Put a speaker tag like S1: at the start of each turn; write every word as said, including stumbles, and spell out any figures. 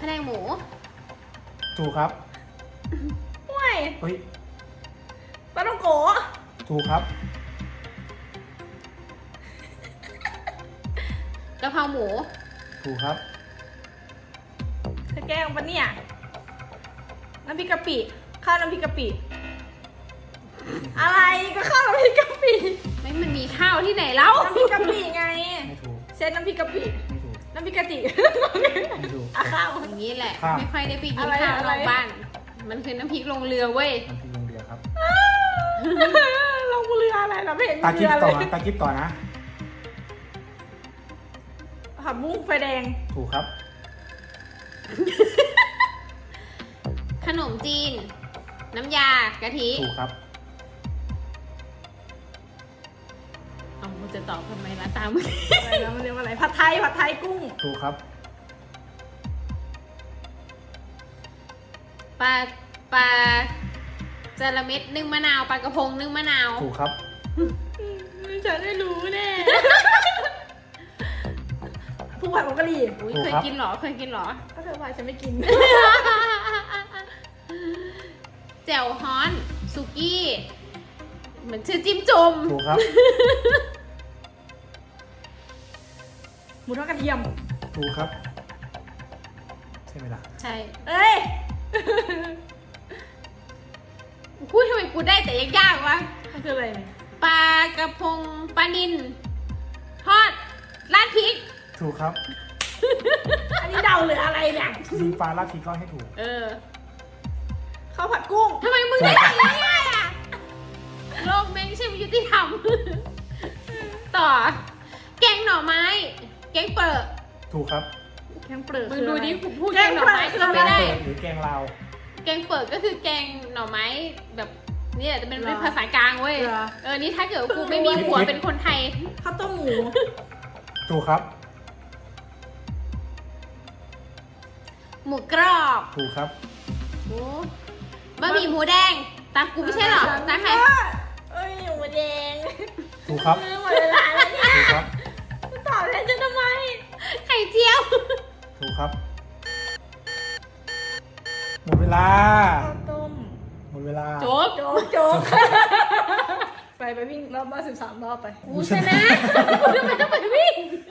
S1: พะแนงหมู
S2: ถูกครับ
S3: ห่วย
S2: เฮ้ย
S3: ปลาต้องโกะ
S2: ถูกครับ
S1: กะเพราหมู
S2: ถูกครับ
S3: จะแกล้งปะเนี่ยน้ำพริกกะปิข้าวน้ำพริกกะปิอะไรก็ข้าวน้ำพริกกะปิ
S1: ไม่มันมีข้าวที่ไหนแล้ว
S3: น้ำพริกกะปิไง
S2: ไม่ถูก
S3: เส้นน้ำพริกกะปิ
S2: ไม่ถูก
S3: น้ำพริกกะติ
S2: ไม่ถูก
S3: อะข้าว
S1: อย่างนี้แหละ
S2: ครับ
S1: ไม่ค่อยได้ไปกิน
S3: อะไร
S1: ข้าว
S3: อะ
S1: น
S3: ไร
S1: อกบ้าน มันคือน้ำพริกลงเรือเว้ย
S2: น้ำพริกลงเรือครับ
S3: ลงเรืออะไรเราไม่เห็น
S2: ตา
S3: มี
S2: จิ๊บ
S3: เรือ
S2: ต่
S3: เล
S2: อย นะตาจิ๊บต่อนะ
S3: ผักบุ้งไฟแดง
S2: ถูกครับ
S1: ขนมจีน น้ำยากะทิ
S2: ถูกครับ
S1: เอามึงจะตอบทำไมล่ะตามมึง
S3: อะไรนะมันเรียกว่าอะไรผัดไทยผัดไทยกุ้ง
S2: ถูกครับ
S1: ปลาปลาจระเม็ดนึ่งมะนาวปลากระพงนึ่งมะนาว
S2: ถูกครับ
S3: ฉันได้รู้แน่ผู้ผัดผงกะหรี่
S1: อุ้ย
S2: ถูก
S1: เคย
S2: ครับ
S1: กินเหรอเคยกินเหรอ
S3: ก็เธอว่าฉันไม่กิน
S1: แจ่วฮ้อนสุกี้เหมือนชื่อจิ้มจุ่ม
S2: ถูกครับ
S3: หมูทอดกระเทียม
S2: ถูกครับ ใช่ไหมล่ะ
S1: ใช่
S3: เอ้ย
S1: พูดทำไมกูได้แต่ยากๆวะ
S3: มันคืออะไรเนี่ย
S1: ปลากระพงปลานิลทอดราดพริก
S2: ถูกครับ
S3: อันนี้เดาหรืออะไรเนี่ย
S2: ยิงปลาลัดทีก็ให้ถูก
S1: เออ
S3: ข้าวผัดกุ้ง
S1: ทำไมมึงได้แต่ง่ายๆอ่ะโลกแม่งใช่ไม่ยุติธรรม ต่อ แกงหน่อไม้ แกงเปิด
S2: ถูกครับ
S3: แกงเปลือก
S1: มึง
S3: คือ
S1: ดู
S3: อะไร
S1: ดิกูพูด
S3: แก
S1: แก
S3: ง
S1: งหน่อ
S3: เปลือก
S1: ไม้
S3: คือ
S1: ก็
S3: อะไร
S1: ไม่ได้
S2: แกงเปิดหรือแกงลาว
S1: แกงเปิดก็คือแกงหน่อไม้แบบนี่แหละจะเป็น
S3: เหรอ
S1: เป็นภาษากลางเว้ย
S3: เหรอ
S1: เออ นี่ถ้าเกิดกูไม่มีผัวเป็นคนไทย
S3: ข้าวต้มหมู
S2: ถูกครับ
S1: หมูกรอบ
S2: ถูกครับ
S1: หมูบะหมี่หมูแดง ตามกูไม่ใช่หรอตามใคร
S3: เอ้ยหมูแดง
S2: ถูกครับ
S3: เออหมดเวลาแล้วเนี่ย
S2: ถูกครับ
S3: ตอบแทนฉันทำไม
S1: ไข่เจียว
S2: ถูกครับ หมดเวลา
S3: ข้าวต้ม
S2: หมดเวลา
S1: โจ๊ก
S3: โจ๊กโจ๊กไปไปวิ่งรอบบ้านสิบสามรอบไป
S1: กูชนะกูทำไมต้องไปวิ่ง